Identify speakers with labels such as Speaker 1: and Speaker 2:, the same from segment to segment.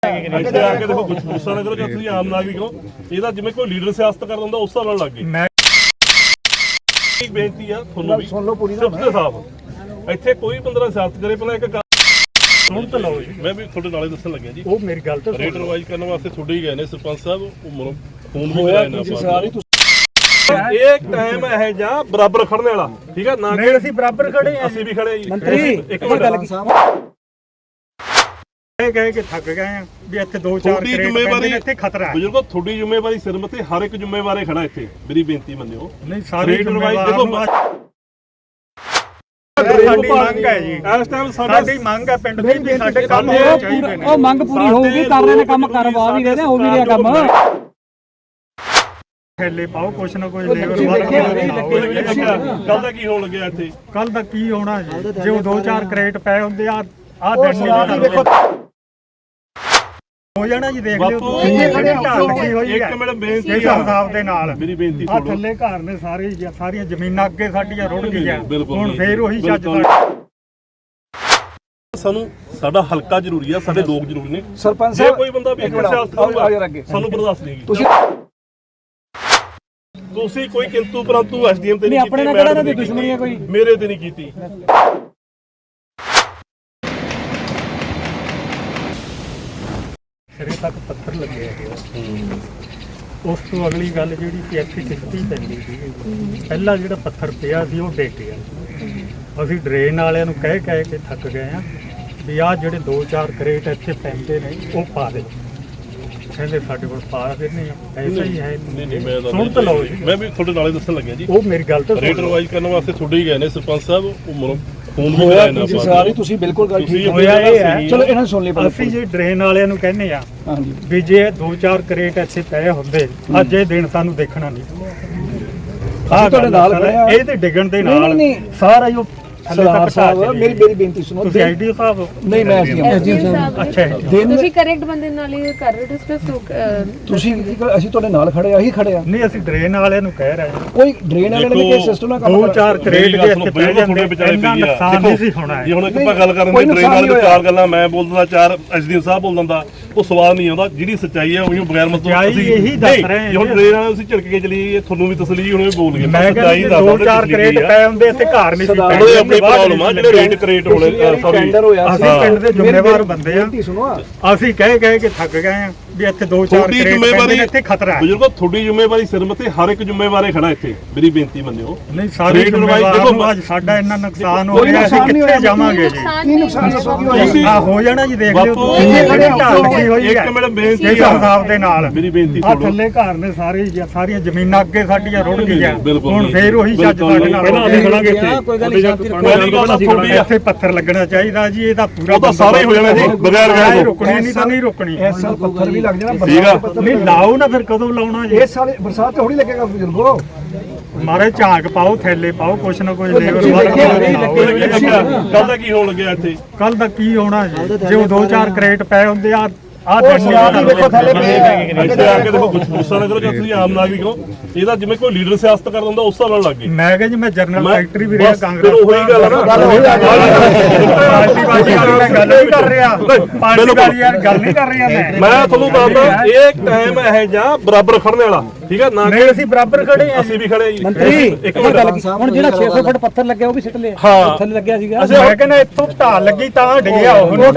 Speaker 1: ਇੱਥੇ ਆ ਕੇ ਦੇਖੋ ਗੁੱਸਾ ਨਾ ਕਰੋ ਕਿ ਤੁਸੀਂ ਆਮ ਨਾਗਰਿਕ ਹੋ, ਇਹਦਾ ਜਿਵੇਂ ਕੋਈ ਲੀਡਰ ਸਿਆਸਤ ਕਰਦਾ ਹੁੰਦਾ ਉਸ ਹਿਸਾਬ ਨਾਲ ਲੱਗ ਗਈ। ਮੈਂ ਇੱਕ ਬੇਨਤੀ ਆ ਤੁਹਾਨੂੰ ਵੀ ਸੁਣ ਲਓ ਪੂਰੀ ਤਰ੍ਹਾਂ ਸਾਫ਼, ਇੱਥੇ ਕੋਈ ਬੰਦਾ ਸਿਆਸਤ ਕਰੇ ਪਹਿਲਾਂ ਇੱਕ ਸੁਣ ਤਾਂ ਲਓ ਜੀ। ਮੈਂ ਵੀ ਤੁਹਾਡੇ ਨਾਲੇ ਦੱਸਣ ਲੱਗਿਆ ਜੀ, ਉਹ ਮੇਰੀ ਗੱਲ ਤਾਂ ਰੇਟ ਰਿਵਾਈਜ਼ ਕਰਨ ਵਾਸਤੇ ਤੁਹਾਡੇ ਹੀ ਗਏ ਨੇ ਸਰਪੰਚ ਸਾਹਿਬ, ਉਹ ਫੋਨ ਵੀ ਕਰਾਇਆ ਨਾ ਇਹ ਟਾਈਮ ਹੈ ਜਾਂ ਬਰਾਬਰ ਖੜਨੇ ਵਾਲਾ, ਠੀਕ ਹੈ ਨਾ? ਨਹੀਂ ਅਸੀਂ ਬਰਾਬਰ ਖੜੇ ਆ, ਅਸੀਂ ਵੀ ਖੜੇ ਜੀ। ਮੰਤਰੀ ਇੱਕ ਮਿੰਟ
Speaker 2: ਕਹਿ ਕੇ ਥੱਕ ਗਏ ਆ ਵੀ ਇੱਥੇ 2-4 ਜ਼ਿੰਮੇਵਾਰੀ ਇੱਥੇ ਖਤਰਾ ਹੈ।
Speaker 1: ਬਜ਼ੁਰਗੋ ਤੁਹਾਡੀ ਜ਼ਿੰਮੇਵਾਰੀ ਸਿਰ ਮੱਥੇ ਹਰ ਇੱਕ ਜ਼ਿੰਮੇਵਾਰ ਖੜਾ ਇੱਥੇ, ਮੇਰੀ ਬੇਨਤੀ ਮੰਨਿਓ।
Speaker 2: ਨਹੀਂ ਸਾਰੀ ਜ਼ਿੰਮੇਵਾਰੀ ਦੇਖੋ ਸਾਡੀ ਮੰਗ ਹੈ ਜੀ, ਇਸ ਟਾਈਮ ਸਾਡੀ ਮੰਗ ਹੈ ਪਿੰਡ ਦੀ ਵੀ ਸਾਡੇ ਕੰਮ ਹੋਣੇ ਚਾਹੀਦੇ ਨੇ।
Speaker 3: ਉਹ ਮੰਗ ਪੂਰੀ ਹੋਊਗੀ, ਕਰ ਰਹੇ ਨੇ ਕੰਮ, ਕਰਵਾ ਵੀ ਰਹੇ ਨੇ, ਹੋ ਵੀ ਰਿਹਾ ਕੰਮ।
Speaker 2: ਥੈਲੇ ਪਾਓ ਕੁਛ ਨਾ ਕੁਛ ਲੇਬਰ
Speaker 1: ਕੱਲ ਦਾ ਕੀ ਹੋਣ ਲੱਗਿਆ ਇੱਥੇ?
Speaker 2: ਕੱਲ ਦਾ ਕੀ ਹੋਣਾ ਜੀ, ਜੇ ਉਹ 2-4 ਕਰੇਟ ਪਏ ਹੁੰਦੇ ਆ ਦਿਨ ਨਹੀਂ ਹੋ ਜਾਣਾ ਜੀ। ਦੇਖ ਲਿਓ
Speaker 1: ਇੱਕ ਮਿੰਟ ਬੇਨਤੀ
Speaker 2: ਇਸ ਹਿਸਾਬ ਦੇ ਨਾਲ
Speaker 1: ਮੇਰੀ ਬੇਨਤੀ
Speaker 2: ਆ ਥੱਲੇ ਘਰ ਨੇ ਸਾਰੀਆਂ ਜ਼ਮੀਨਾਂ ਅੱਗੇ ਸਾਡੀਆਂ ਰੁੜ ਗਈਆਂ, ਹੁਣ ਫੇਰ ਉਹੀ ਚੱਜ
Speaker 1: ਸਾਨੂੰ ਸਾਡਾ ਹਲਕਾ ਜ਼ਰੂਰੀ ਆ, ਸਾਡੇ ਲੋਕ ਜ਼ਰੂਰੀ ਨੇ।
Speaker 3: ਸਰਪੰਚ
Speaker 1: ਸਾਹਿਬ ਕੋਈ ਬੰਦਾ ਵੀ ਸਿਆਸਤ ਕਰੂਗਾ ਸਾਨੂੰ ਬਰਦਾਸ਼ਤ ਨਹੀਂ ਕੀਤੀ। ਤੁਸੀਂ ਕੋਈ ਕਿੰਤੂ ਪਰੰਤੂ ਐਸਡੀਐਮ ਤੇ ਨਹੀਂ ਕੀਤੀ,
Speaker 3: ਆਪਣੇ ਨਾਲ ਕਿਹੜਾ ਇਹਨਾਂ ਦੀ ਦੁਸ਼ਮਣੀ ਹੈ ਕੋਈ?
Speaker 1: ਮੇਰੇ ਤੇ ਨਹੀਂ ਕੀਤੀ।
Speaker 2: ਸਿਰੇ ਤੱਕ ਪੱਥਰ ਲੱਗੇ ਹੈਗੇ। ਉਸ ਤੋਂ ਅਗਲੀ ਗੱਲ ਜਿਹੜੀ ਸੀ ਇੱਥੇ ਕਿਸ਼ਤੀ ਪੈਂਦੀ ਸੀ, ਪਹਿਲਾ ਜਿਹੜਾ ਪੱਥਰ ਪਿਆ ਸੀ ਉਹ ਡਿੱਗ ਗਿਆ। ਅਸੀਂ ਡਰੇਨ ਵਾਲਿਆਂ ਨੂੰ ਕਹਿ ਕੇ ਥੱਕ ਗਏ ਆ ਵੀ ਆਹ ਜਿਹੜੇ 2-4 ਕਰੇਟ ਇੱਥੇ ਪੈਂਦੇ ਨੇ ਉਹ ਪਾ ਦੇ। ਕਹਿੰਦੇ ਸਾਡੇ ਕੋਲ ਪਾ ਦਿੰਦੇ ਆ, ਐਸਾ ਹੀ ਹੈ।
Speaker 1: ਨਹੀਂ
Speaker 2: ਸੁਣ ਤਾਂ ਲਓ ਜੀ,
Speaker 1: ਮੈਂ ਵੀ ਤੁਹਾਡੇ ਨਾਲੇ ਦੱਸਣ ਲੱਗਿਆ ਜੀ,
Speaker 2: ਉਹ ਮੇਰੀ ਗੱਲ ਤਾਂ
Speaker 1: ਰੇਟ ਰਿਵਾਈਜ਼ ਕਰਨ ਵਾਸਤੇ ਤੁਹਾਡੇ ਹੀ ਗਏ ਨੇ ਸਰਪੰਚ ਸਾਹਿਬ, ਉਹ ਫੋਨ ਵੀ
Speaker 3: ਹੋਇਆ ਤੁਸੀਂ ਬਿਲਕੁਲ ਗੱਲ ਠੀਕ
Speaker 2: ਹੋਇਆ। ਇਹ ਹੈ
Speaker 3: ਚਲੋ ਇਹਨਾਂ ਨੂੰ ਸੁਣ ਲਈ।
Speaker 2: ਅਸੀਂ ਜੇ ਡਰੇਨ ਵਾਲਿਆਂ ਨੂੰ ਕਹਿੰਦੇ ਆ ਵੀ ਜੇ 2-4 ਕਰੇਟ ਇੱਥੇ ਪਏ ਹੁੰਦੇ ਅੱਜ ਇਹ ਦਿਨ ਸਾਨੂੰ ਦੇਖਣਾ ਨਹੀਂ।
Speaker 3: ਤੁਹਾਡੇ ਨਾਲ
Speaker 2: ਇਹ ਤੇ ਡਿੱਗਣ ਦੇ ਨਾਲ ਸਾਰਾ ਜੋ
Speaker 3: ਸਰਦਾਰ ਸਾਹਿਬ ਮੇਰੀ ਬੇਨਤੀ ਸੁਣੋ।
Speaker 2: ਤੁਸੀਂ ਆਈਡੀ ਸਾਹਿਬ
Speaker 3: ਨਹੀਂ ਮੈਂ ਸਾਹਿਬ।
Speaker 2: ਅੱਛਾ
Speaker 4: ਤੁਸੀਂ ਕਰੈਕਟ ਬੰਦੇ ਨਾਲ ਹੀ ਕਰ ਰਹੇ ਡਿਸਕਸ।
Speaker 3: ਤੁਸੀਂ ਅਸੀਂ ਤੁਹਾਡੇ ਨਾਲ ਖੜੇ ਆ, ਅਸੀਂ ਖੜੇ ਆ।
Speaker 2: ਨਹੀਂ ਅਸੀਂ ਡਰੇਨ ਵਾਲਿਆਂ ਨੂੰ ਕਹਿ ਰਹੇ ਹਾਂ,
Speaker 3: ਕੋਈ ਡਰੇਨ ਵਾਲਿਆਂ ਨੇ ਕਿ ਸਿਸਟਮ ਨਾਲ ਕੰਮ
Speaker 2: 2-4 ਕਰੇਟ ਦੇ ਇੱਥੇ ਪੈ ਜਾਂਦੇ ਇੰਨਾ ਨੁਕਸਾਨ ਨਹੀਂ ਸੀ ਹੋਣਾ।
Speaker 1: ਜੇ ਹੁਣ ਇੱਕ ਆਪਾਂ ਗੱਲ ਕਰਨ ਦੀ ਡਰੇਨ ਵਾਲੇ ਤੋਂ 4 ਗੱਲਾਂ ਮੈਂ ਬੋਲ ਦਿੰਦਾ, 4 ਐਸਡੀਐਮ ਸਾਹਿਬ ਬੋਲ ਦਿੰਦਾ, ਉਹ ਸਵਾਲ ਨਹੀਂ ਆਉਂਦਾ। ਜਿਹੜੀ ਸੱਚਾਈ ਹੈ ਉਹਨੂੰ ਬਗੈਰ ਮਤਲਬ
Speaker 2: ਅਸੀਂ ਇਹੀ ਦੱਸ ਰਹੇ ਹਾਂ।
Speaker 1: ਹੁਣ ਡਰੇਨ ਵਾਲੇ ਤੁਸੀਂ ਝਿੜਕ ਕੇ ਚਲੀ, ਤੁਹਾਨੂੰ ਵੀ ਤਸਲੀ ਹੁਣ ਬੋਲ ਗਏ।
Speaker 2: ਮੈਂ ਕਹਿੰਦਾ 2-4 ਕਰੇਟ ਪਏ ਹੁੰਦੇ ਇੱਥੇ ਘਰ ਨਹੀਂ ਸੀ
Speaker 1: ਪੈਂਦੇ। ਆਪਣੀ ਪ੍ਰੋਬਲਮ ਆ ਜਿਹੜੇ ਰੇਟ ਕਰੇਟ ਹੋਣੇ, ਸੌਰੀ
Speaker 2: ਅਸੀਂ ਪਿੰਡ ਦੇ ਜ਼ਿੰਮੇਵਾਰ ਬੰਦੇ ਆ। ਅਸੀਂ ਕਹਿ ਕੇ ਥੱਕ ਗਏ ਆ ਵੀ ਇੱਥੇ 2-4 ਕਰੇਟ ਪੈਂਦੇ ਨੇ, ਇੱਥੇ ਖਤਰਾ ਹੈ।
Speaker 1: ਬਜ਼ੁਰਗੋ ਤੁਹਾਡੀ ਜ਼ਿੰਮੇਵਾਰੀ ਸਿਰ ਮੱਥੇ ਹਰ ਇੱਕ ਜ਼ਿੰਮੇਵਾਰ ਖੜਾ ਇੱਥੇ, ਮੇਰੀ ਬੇਨਤੀ ਮੰਨਿਓ।
Speaker 2: ਨਹੀਂ ਸਾਰੀ ਜ਼ਿੰਮੇਵਾਰੀ ਦੇਖੋ, ਅੱਜ ਸਾਡਾ ਇੰਨਾ ਨੁਕਸਾਨ ਹੋ ਰਿਹਾ, ਅਸੀਂ ਕਿੱਥੇ ਜਾਵਾਂਗੇ ਜੀ?
Speaker 3: ਕੀ ਨੁਕਸਾਨ ਦੱਸੋਗੇ?
Speaker 2: ਹੋ ਜਾਣਾ ਜੀ, ਦੇਖ ਲਿਓ
Speaker 1: ਇੱਕ ਮਿੰਟ ਬੇਨਤੀ
Speaker 2: ਇਸ ਹਿਸਾਬ ਦੇ ਨਾਲ
Speaker 1: ਮੇਰੀ ਬੇਨਤੀ
Speaker 2: ਆ ਥੱਲੇ ਘਰ ਨੇ ਸਾਰੀਆਂ ਜ਼ਮੀਨਾਂ ਅੱਗੇ ਸਾਡੀਆਂ ਰੁੜ ਗਈਆਂ, ਹੁਣ ਫੇਰ ਉਹੀ ਚੱਜ ਸਾਡੇ ਨਾਲ ਇੱਥੇ ਪੱਥਰ ਲੱਗਣਾ ਚਾਹੀਦਾ ਜੀ। ਇਹਦਾ ਪੂਰਾ
Speaker 1: ਤਾਂ ਸਾਰੇ ਹੋ ਜਾਣਾ ਜੀ, ਬਗੈਰ ਗਏ
Speaker 2: ਰੁਕਣੀ ਨਹੀਂ ਤਾਂ ਨਹੀਂ ਰੁਕਣੀ।
Speaker 3: ਇਸ ਸਾਲ ਪੱਥਰ ਵੀ ਲੱਗ ਜਾਣਾ,
Speaker 2: ਨਹੀਂ ਲਾਓ ਨਾ, ਫਿਰ ਕਦੋਂ ਲਾਉਣਾ ਜੀ?
Speaker 3: ਇਸ ਸਾਲ ਬਰਸਾਤ ਤੇ ਹੋਣੀ ਲੱਗੇਗਾ ਬਜ਼ੁਰਗੋ।
Speaker 2: ਮਾਰੇ ਝਾਂਕ ਪਾਓ, ਥੈਲੇ ਪਾਓ, ਕੁਛ ਨਾ ਕੁਛ ਲੇਬਰ
Speaker 1: ਕੱਲ ਦਾ ਕੀ ਹੋਣ ਲੱਗਿਆ ਇੱਥੇ?
Speaker 2: ਕੱਲ ਦਾ ਕੀ ਹੋਣਾ ਜੀ, ਜੇ ਉਹ 2-4 ਕਰੇਟ ਪਏ ਹੁੰਦੇ ਆ
Speaker 1: ਇੱਥੇ ਆ ਕੇ ਦੇਖੋ ਗੁੱਸਾ ਨਾ ਕਰੋ ਕਿ ਤੁਸੀਂ ਆਮ ਨਾਗਰਿਕ ਹੋ, ਇਹਦਾ ਜਿਵੇਂ ਕੋਈ ਲੀਡਰ ਸਿਆਸਤ ਕਰਦਾ ਹੁੰਦਾ ਉਸ ਹਿਸਾਬ ਨਾਲ ਲੱਗ ਗਈ।
Speaker 2: ਮੈਂ ਕਿਹਾ ਜੀ ਮੈਂ ਜਨਰਲ ਸੈਕਟਰੀ ਵੀ ਰਿਹਾ ਕਾਂਗਰਸ।
Speaker 1: ਉਹੀ ਗੱਲ ਹੈ ਨਾ,
Speaker 2: ਪਾਰਟੀ ਬਾਜੀ ਗੱਲ ਨਹੀਂ ਕਰ ਰਿਹਾ, ਪਾਰਟੀ ਬਾਜੀ ਯਾਰ ਗੱਲ ਨਹੀਂ ਕਰ ਰਿਹਾ।
Speaker 1: ਮੈਂ ਤੁਹਾਨੂੰ ਦੱਸਦਾ ਇਹ ਟਾਈਮ ਹੈ ਜਾਂ ਬਰਾਬਰ ਖੜਨੇ ਵਾਲਾ, ਠੀਕ ਹੈ ਨਾ?
Speaker 2: ਨਹੀਂ ਅਸੀਂ ਬਰਾਬਰ ਖੜੇ ਆ,
Speaker 1: ਅਸੀਂ ਵੀ ਖੜੇ ਆ ਜੀ।
Speaker 3: ਮੰਤਰੀ
Speaker 1: ਇੱਕ ਮਿੰਟ,
Speaker 3: ਹੁਣ ਜਿਹੜਾ 600 ਫੁੱਟ ਪੱਥਰ ਲੱਗਿਆ ਉਹ ਵੀ ਸਿੱਟ ਲਿਆ,
Speaker 1: ਹਾਂ
Speaker 3: ਥੱਲੇ ਲੱਗਿਆ ਸੀਗਾ।
Speaker 2: ਮੈਂ ਕਹਿੰਦਾ ਇੱਥੋਂ ਢਾਲ ਲੱਗੀ ਤਾਂ ਡਿੱਗਿਆ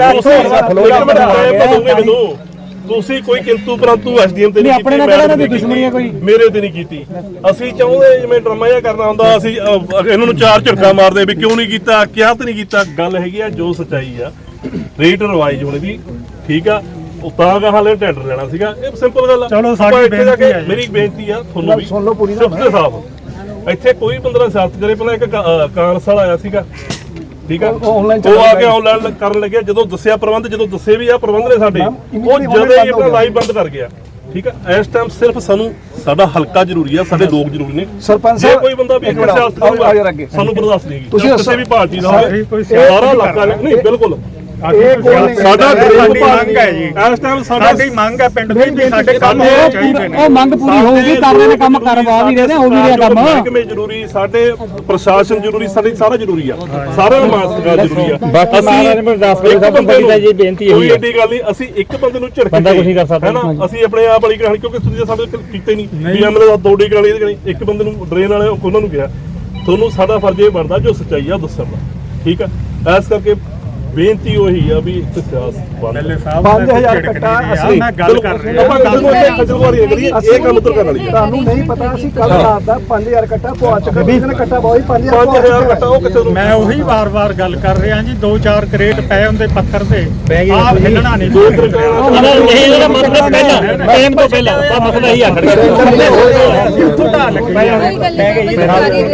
Speaker 2: ਉਹ।
Speaker 1: ਤੁਸੀਂ ਕੋਈ ਕਿੰਤੂ ਪਰੰਤੂ ਐਸਡੀਐਮ ਤੇ
Speaker 3: ਨਹੀਂ ਆਪਣੇ ਨਾਲ ਕਿਹੜਾ ਦੀ ਦੁਸ਼ਮਣੀ ਹੈ ਕੋਈ?
Speaker 1: ਮੇਰੇ ਤੇ ਨਹੀਂ ਕੀਤੀ। ਅਸੀਂ ਚਾਹੁੰਦੇ ਜਿਵੇਂ ਡਰਾਮਾ ਜਿਹਾ ਕਰਨਾ ਹੁੰਦਾ, ਅਸੀਂ ਇਹਨਾਂ ਨੂੰ 4 ਝਟਕਾ ਮਾਰਦੇ ਵੀ ਕਿਉਂ ਨਹੀਂ ਕੀਤਾ, ਕਿਹਾ ਤੇ ਨਹੀਂ ਕੀਤਾ। ਗੱਲ ਹੈਗੀ ਆ ਜੋ ਸੱਚਾਈ ਆ, ਰੇਟ ਰਿਵਾਈਜ਼ ਹੋਣੀ ਦੀ, ਠੀਕ ਆ। ਉਹ ਤਾਂ ਕਹਾਂ ਲੈ ਟੈਂਡਰ ਲੈਣਾ ਸੀਗਾ, ਇਹ ਸਿੰਪਲ ਗੱਲ ਆ।
Speaker 2: ਚਲੋ ਸਾਡੀ ਬੇਨਤੀ ਹੈ,
Speaker 1: ਮੇਰੀ ਬੇਨਤੀ ਆ ਤੁਹਾਨੂੰ ਵੀ
Speaker 3: ਸੁਣ ਲਓ ਪੂਰੀ
Speaker 1: ਤਰ੍ਹਾਂ ਸਾਫ਼, ਇੱਥੇ ਕੋਈ ਬੰਦਾ ਸਿਆਸਤ ਕਰੇ। ਪਹਿਲਾਂ ਇੱਕ ਕਾਂਗਰਸ ਵਾਲਾ ਆਇਆ ਸੀਗਾ, ਠੀਕ ਆ, ਉਹ ਆ ਕੇ ਆਨਲਾਈਨ ਕਰਨ ਲੱਗਿਆ। ਜਦੋਂ ਦੱਸਿਆ ਪ੍ਰਬੰਧ, ਜਦੋਂ ਦੱਸੇ ਵੀ ਆ ਪ੍ਰਬੰਧ ਨੇ ਸਾਡੇ, ਉਹ ਜਦੋਂ ਹੀ ਆਪਣਾ ਲਾਈਵ ਬੰਦ ਕਰ ਗਿਆ, ਠੀਕ ਆ। ਇਸ ਟਾਈਮ ਸਿਰਫ ਸਾਨੂੰ ਸਾਡਾ ਹਲਕਾ ਜ਼ਰੂਰੀ ਆ, ਸਾਡੇ ਲੋਕ ਜ਼ਰੂਰੀ ਨੇ।
Speaker 3: ਸਰਪੰਚ
Speaker 1: ਸਾਹਿਬ ਕੋਈ ਬੰਦਾ ਵੀ ਸਿਆਸਤ ਕਰੂਗਾ ਸਾਨੂੰ ਬਰਦਾਸ਼ਤ ਨਹੀਂ। ਤੁਸੀਂ ਕਿਸੇ ਵੀ ਪਾਰਟੀ ਦਾ ਹੋਵੇ, ਸਾਰਾ ਇਲਾਕਾ ਨਹੀਂ, ਬਿਲਕੁਲ ਸਾਡਾ
Speaker 2: ਸਾਡੀ ਮੰਗ ਹੈ ਜੀ,
Speaker 1: ਇਸ ਟਾਈਮ
Speaker 2: ਸਾਡੀ ਮੰਗ ਹੈ ਪਿੰਡ ਦੀ ਵੀ ਸਾਡੇ ਕੰਮ ਹੋਣੇ ਚਾਹੀਦੇ ਨੇ।
Speaker 3: ਉਹ ਮੰਗ ਪੂਰੀ ਹੋਊਗੀ, ਕਰ ਰਹੇ ਨੇ ਕੰਮ, ਕਰਵਾ ਵੀ ਰਹੇ ਨੇ, ਹੋ ਵੀ ਰਿਹਾ ਕੰਮ।
Speaker 1: ਮਹਿਕਮੇ ਜ਼ਰੂਰੀ, ਸਾਡੇ ਪ੍ਰਸ਼ਾਸਨ ਜ਼ਰੂਰੀ, ਸਾਡੇ ਸਾਰਾ ਜ਼ਰੂਰੀ ਆ, ਸਾਰਿਆਂ ਨੂੰ ਮਾਸਕ ਜ਼ਰੂਰੀ ਆ।
Speaker 5: ਬਾਕੀ ਮਹਾਰਾਜ ਨੇ ਦੱਸ ਕੇ ਸਭ ਤੋਂ ਵੱਡੀ ਤਾਂ ਜੀ ਬੇਨਤੀ
Speaker 1: ਕੋਈ
Speaker 5: ਇਹੀ ਹੈ,
Speaker 1: ਏਡੀ ਗੱਲ ਨਹੀਂ, ਅਸੀਂ ਇੱਕ ਬੰਦੇ ਨੂੰ ਝਿੜਕ
Speaker 5: ਬੰਦਾ ਕੁਛ ਨਹੀਂ ਕਰ ਸਕਦਾ।
Speaker 1: ਹੈ ਨਾ, ਅਸੀਂ ਆਪਣੇ ਆਪ ਵਾਲੀ ਕਹਾਣੀ, ਕਿਉਂਕਿ ਤੁਸੀਂ ਸਾਡੇ ਕੀਤੇ ਨਹੀਂ ਵੀ ਐਮਐਲਏ ਦਾ ਦੋੜੀ ਕਹਾਣੀ ਇਹਦੀ ਕਹਾਣੀ, ਇੱਕ ਬੰਦੇ ਨੂੰ ਡਰੇਨ ਵਾਲੇ ਉਹਨਾਂ ਨੂੰ ਕਿਹਾ। ਤੁਹਾਨੂੰ ਸਾਡਾ ਫਰਜ਼ ਇਹ ਬਣਦਾ ਜੋ ਸੱਚਾਈ ਆ ਦੱਸਣ ਦਾ, ਠੀਕ ਆ। ਇਸ ਕਰਕੇ ਬੇਨਤੀ ਉਹੀ ਆ ਵੀ ਇੱਥੇ ਸਿਆਸਤ ਬੰਦ।
Speaker 2: 5000 ਕੱਟਾ ਅਸੀਂ ਮੈਂ ਗੱਲ ਕਰ ਰਿਹਾ
Speaker 1: ਆਪਾਂ ਕਿਸੇ ਨੂੰ ਇੱਥੇ ਖੱਜਲਖੁਆਰੀ ਕਰੀਏ, ਇਹ ਕੰਮ ਉਤਰ ਕਰਨ ਵਾਲੀ ਆ।
Speaker 6: ਤੁਹਾਨੂੰ ਨਹੀਂ ਪਤਾ, ਅਸੀਂ ਕੱਲ ਰਾਤ ਦਾ 5000 ਕੱਟਾ ਪਵਾ ਚੁੱਕੇ, 20 ਨੇ ਕੱਟਾ ਬਹੁਤ
Speaker 1: 5000 ਕੱਟਾ ਉਹ ਕਿਸੇ ਨੂੰ
Speaker 2: ਮੈਂ ਉਹੀ ਵਾਰ-ਵਾਰ ਗੱਲ ਕਰ ਰਿਹਾ ਜੀ, 2-4 ਕਰੇਟ ਪਏ ਹੁੰਦੇ ਪੱਥਰ ਤੇ,
Speaker 5: ਬਹਿ ਗਏ
Speaker 2: ਆਪ ਹਿੱਲਣਾ ਨਹੀਂ।
Speaker 5: ਇਹ ਜਿਹੜਾ ਮਤਲਬ ਪਹਿਲਾਂ ਟਾਈਮ ਤੋਂ ਪਹਿਲਾਂ ਮਸਲਾ ਹੀ ਆ ਖੜਾ
Speaker 2: ਉੱਥੋਂ ਢਾਹ ਲੱਗ ਪਿਆ।
Speaker 4: ਕੋਈ ਗੱਲ ਨਹੀਂ,